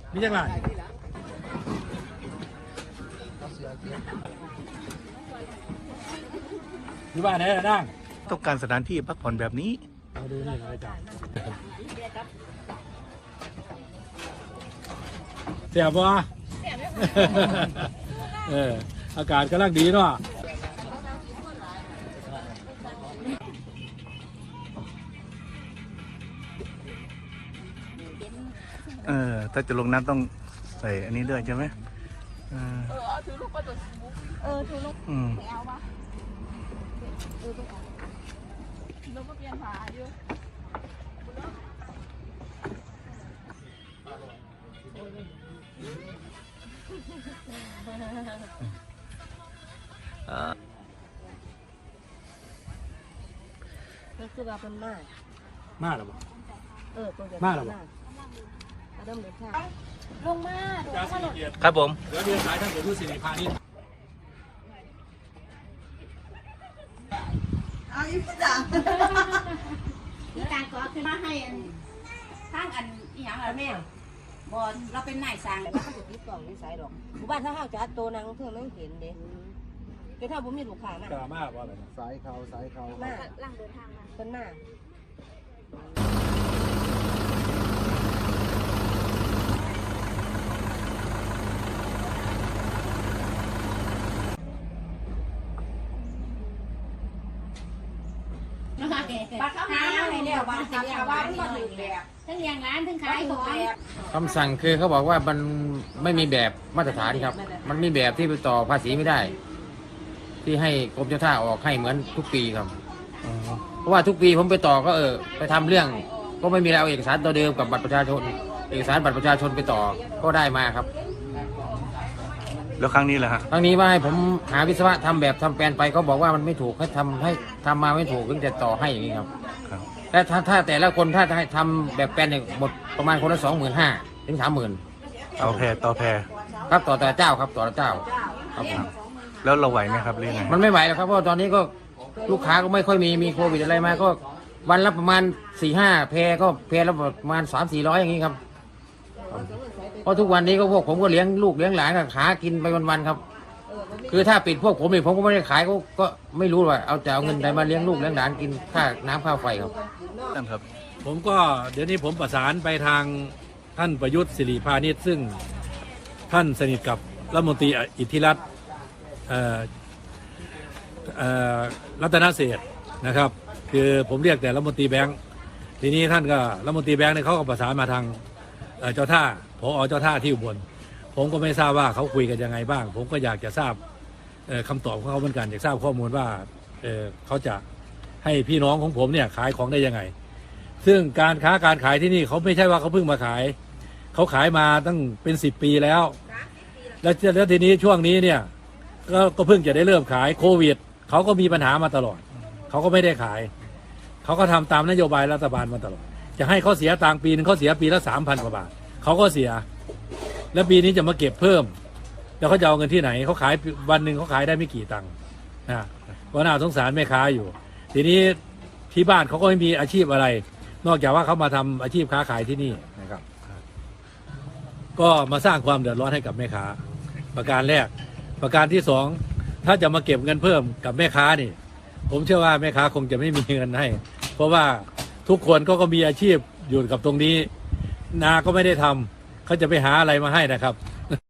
มีจังไรอยู่บ้านไหนล่ะนั่งต้องการสถานที่พักผ่อนแบบนี้มาดูนี่อาจารย์เสียบวะอากาศกำลังดีเนาะถ้าจะลงน้ำต้องใส่อันนี้ด้วยใช่ไหมถือลูกประตูถือลูกไม่เอาปะลูกก็เปลี่ยนผาอยู่ก็คือว่าเป็นมาหรอบ่มาหรอบ่เริ่มเลยค่ะลงมาครับผมเดี๋ยวเรียนสายท่านเดี๋ยวผู้สิริพานิชเอาอีกอย่างนี่การขอขึ้นมาให้ทางอันอีหยังอะไรแม่บอลเราเป็นนายสร้างแล้วเขาจะติดต่อนิสัยหรอกหมู่บ้านถ้าห้างจัดโตนางเพื่อนไม่เห็นเด้เป็นถ้าผมมีลูกค้ามากกล้ามากว่าอะไรสายเขามาล่างเดินทางมาเป็นมาปลาข้าวหาอะไรเนี่ยว่าทำชาวบ้านก็ถึงแบบทั้งเลี้ยงร้านทั้งขายของคำสั่งคือเขาบอกว่ามันไม่มีแบบมาตรฐานครับมันมีแบบที่ไปต่อภาษีไม่ได้ ที่ให้กรมเจ้าท่าออกให้เหมือนทุกปีครับเพราะว่าทุกปีผมไปต่อก็ไปทำเรื่องก็ไม่มีเอาเอกสารตัวเดิมกับบัตรประชาชนเอกสารบัตรประชาชนไปต่อก็ได้มาครับแล้วครั้งนี้แหละฮะครั้งนี้ว่าให้ผมหาวิศวะทำแบบทำแปลนไปเขาบอกว่ามันไม่ถูกให้ทำมาไม่ถูกถึงจะต่อให้อย่างนี้ครับและถ้าแต่ละคนถ้าให้ทำแบบแปลนเนี่ยหมดประมาณคนละ25,000 ถึง 30,000 ต่อแพครับต่อแต่เจ้าครับต่อเจ้าครับแล้วเราไหวไหมครับเรื่องไงมันไม่ไหวแล้วครับเพราะตอนนี้ก็ลูกค้าก็ไม่ค่อยมีโควิดอะไรมาก็วันละประมาณ 4-5 แพก็แพละประมาณ 300-400อย่างนี้ครับเพราะทุกวันนี้ก็พวกผมก็เลี้ยงลูกเลี้ยงหลานหากินไปวันๆครับคือถ้าปิดพวกผมเองผมก็ไม่ได้ขายก็ไม่รู้ว่าจะเอาเงินใดมาเลี้ยงลูกเลี้ยงหลานกินค่าน้ำค่าไฟครับนั่นครับผมก็เดี๋ยวนี้ผมประสานไปทางท่านประยุทธ์สิริพานิชซึ่งท่านสนิทกับรัฐมนตรีอิทธิรัตน์รัตนเศรษฐ์นะครับคือผมเรียกแต่รัฐมนตรีแบงค์ทีนี้ท่านก็รัฐมนตรีแบงค์เนี่ยเขาก็ประสานมาทางเจ้าท่าผอ.เจ้าท่าที่อุบลผมก็ไม่ทราบว่าเขาคุยกันยังไงบ้างผมก็อยากจะทราบคำตอบของเขาเหมือนกันอยากทราบข้อมูลว่าเขาจะให้พี่น้องของผมเนี่ยขายของได้ยังไงซึ่งการค้าการขายที่นี่เขาไม่ใช่ว่าเขาเพิ่งมาขายเขาขายมาตั้งเป็น10 ปีแล้วแล้วทีนี้ช่วงนี้เนี่ยก็เพิ่งจะได้เริ่มขายโควิดเขาก็มีปัญหามาตลอดเขาก็ไม่ได้ขายเขาก็ทำตามนโยบายรัฐบาลมาตลอดจะให้เขาเสียตังค์ปีนึงเขาเสียปีละ 3,000 กว่าบาทเขาก็เสียแล้วปีนี้จะมาเก็บเพิ่มแล้วเขาจะเอาเงินที่ไหนเขาขายวันหนึ่งเขาขายได้ไม่กี่ตังค์ก็น่าสงสารแม่ค้าอยู่ทีนี้ที่บ้านเขาก็ไม่มีอาชีพอะไรนอกจากว่าเขามาทำอาชีพค้าขายที่นี่นะครับก็มาสร้างความเดือดร้อนให้กับแม่ค้าประการแรกประการที่2ถ้าจะมาเก็บเงินเพิ่มกับแม่ค้านี่ผมเชื่อว่าแม่ค้าคงจะไม่มีเงินให้เพราะว่าทุกคนก็มีอาชีพอยู่กับตรงนี้นาก็ไม่ได้ทำเขาจะไปหาอะไรมาให้นะครับ